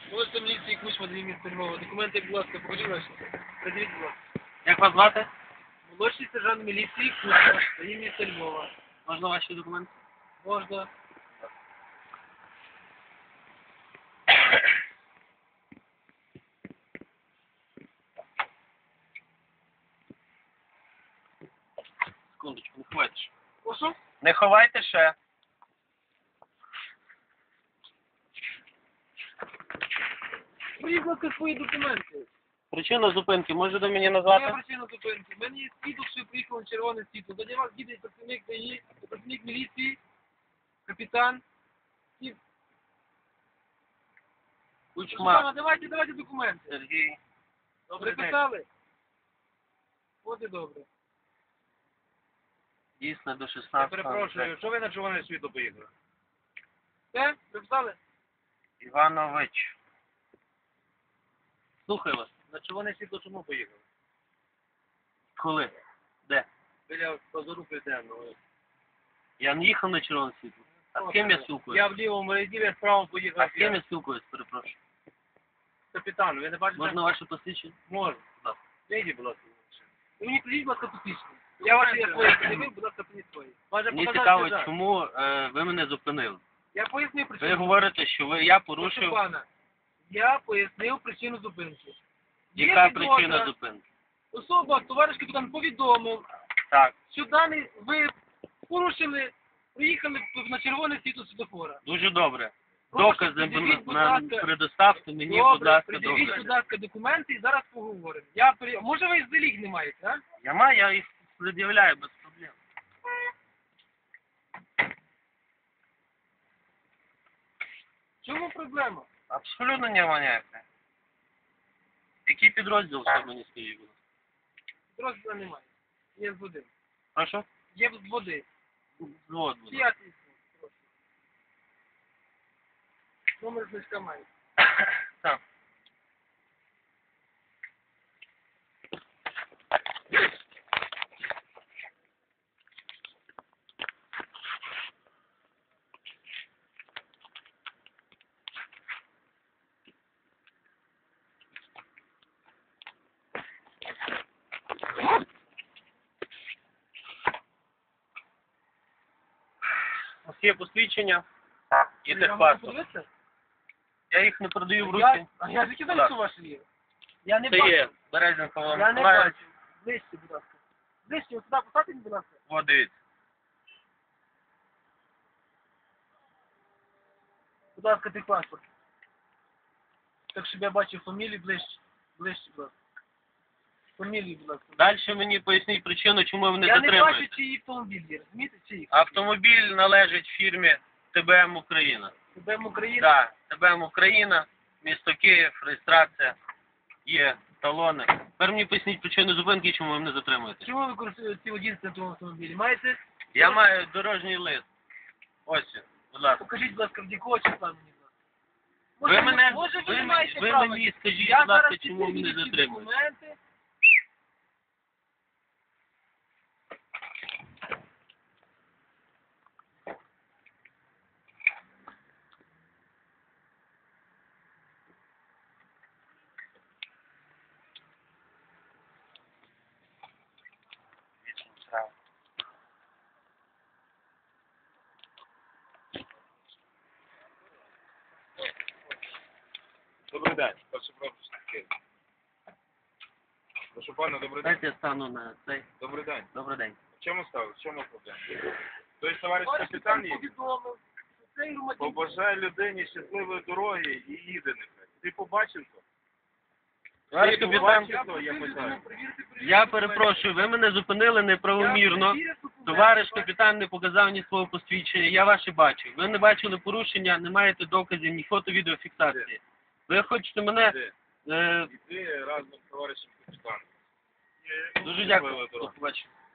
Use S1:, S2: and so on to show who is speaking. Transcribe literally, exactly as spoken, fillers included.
S1: Молодший міліції Кучма, дві місце Львова. Документи, будь ласка, покажіть ваші. Придивіть, будь ласка.
S2: Як вас звати?
S1: Молодший сержант міліції Кучма, дві місце Львова.
S2: Можна ваші документи?
S1: Можна.
S2: Секундочку, не ховайте ще.
S1: Прошу?
S2: Не ховайте ще.
S1: Придивіть, будь ласка, свої документи.
S2: Причину зупинки можете мені
S1: Моя
S2: назвати?
S1: причина зупинки. В мене є свідок, що я приїхав на червоне світло. До вас їде працівник ДАІ, працівник міліції, капітан. І...
S2: Кучма
S1: Шукана, давайте, давайте документи.
S2: Сергій. Добрий день.
S1: Приписали? От і добре.
S2: Дійсно до
S3: Я
S2: шістнадцятого.
S3: перепрошую, що ви на червоне світло поїхали?
S1: Все? Приписали?
S2: Іванович. Слухаю вас.
S3: На червоне світло чому поїхали?
S2: Коли? Де?
S3: Біля позору південного.
S2: Я не їхав на червоне світло. А з ким я спілкуюсь?
S3: Я в лівому ряді, я справа поїхав.
S2: А з ким я спілкуюсь, перепрошую?
S3: Капітан, ви не бачите?
S2: Можна ваше посвідчення?
S3: Можна.
S2: Так.
S3: Вийдіть, будь ласка.
S1: Ви мені придіть, будь ласка, посвідчення. Я ваші я свої придивив, будь ласка, придіть свої.
S3: Може
S2: Мені
S3: показати
S2: цікаво,
S3: сюди?
S2: чому е, ви мене зупинили.
S1: Я пояснив
S2: Ви
S1: причину.
S2: говорите, що ви, я
S1: Прошу
S2: порушив.
S1: пана, я пояснив причину зупинки. Є
S2: Яка
S1: підозра,
S2: причина зупинки?
S1: Особа, товариш капітан, повідомив,
S2: Так,
S1: що даний ви порушили, приїхали на червоне світло світлофора.
S2: дуже добре.
S1: Прошу,
S2: Докази
S1: пред'явіть, будь
S2: на,
S1: ласка.
S2: предоставте мені, будь
S1: Добре,
S2: ласка,
S1: придивіть,
S2: докази.
S1: будь ласка, документи і зараз поговоримо. Я при... Може ви заліг не маєте, а?
S2: Я маю, я їх пред'являю без проблем.
S1: В чому проблема?
S2: Абсолютно немає ніякої. Який підрозділ все мені скажіть, будь ласка?
S1: Розділу немає. Є з води.
S2: Прошу?
S1: Є з води.
S2: Взвод, будь ласка.
S1: П'ятий. Прошу. Номер значка має.
S2: Так. У вас є посвідчення і
S1: Я можу
S2: техпаспорт.
S1: подивитися?
S2: Я їх не продаю в
S1: Я,
S2: руки.
S1: а я закидаю,
S2: Так.
S1: що ваше є. Я не
S2: Це
S1: бачу.
S2: є Березенко Володимир
S1: Я не
S2: Миколаївич.
S1: бачу. Ближче, будь ласка. Ближче, ось сюди поставте, будь ласка.
S2: О, дивіться.
S1: Будь ласка, ти паспорт. Так, щоб я бачив фамілію ближче. Ближче, будь ласка. Фамілію, будь ласка.
S2: Далі мені поясніть причину, чому ви мене
S1: Я не бачу,
S2: затримуєте.
S1: чиї автомобіль є, розумієте, чиї?
S2: Автомобіль належить фірмі ТБМ Україна.
S1: ТБМ Україна.
S2: Так, ТБМ Україна, місто Київ, реєстрація, є талони. Тепер мені поясніть причину зупинки, чому ви мене затримуєте.
S1: Чому ви користуєтеся водійством на тому автомобілі? Маєте?
S2: Я маю дорожній лист. Ось, він, будь ласка.
S1: Покажіть, будь ласка, в якого числа мені, будь ласка.
S2: Ви
S1: Може,
S2: мене,
S1: може, ви
S2: ви,
S1: не
S2: мені-
S1: маєте
S2: ви
S1: права.
S2: мені скажіть,
S1: Я
S2: будь ласка,
S1: зараз
S2: чому ви мене
S1: підтверджую ці
S2: затримуєте.
S1: документи.
S3: Добрий день. Прошу пропустити. Прошу пана, добрий день.
S2: Дайте я стану на цей.
S3: Добрий день.
S2: Добрий день.
S3: В чому стало? В чому проблема? Тобто товариш
S1: Товариш
S3: капітан
S1: капітан
S3: їде?
S1: повідомив, що цей громадянин...
S3: Побажай людині щасливої дороги і їде нехай. Ти побачив то?
S2: Товариш
S3: Ти
S2: капітан,
S3: побачив то, я питаю.
S2: я перепрошую, ви мене зупинили неправомірно. Товариш капітан не показав ні свого посвідчення, я ваше бачу. Ви не бачили порушення, не маєте доказів, ні фото-відеофіксації. Ви хочете мене...
S3: Іди.
S2: Е,
S3: Іди разом з товаришем капітаном.
S2: дуже дякую. До побачення.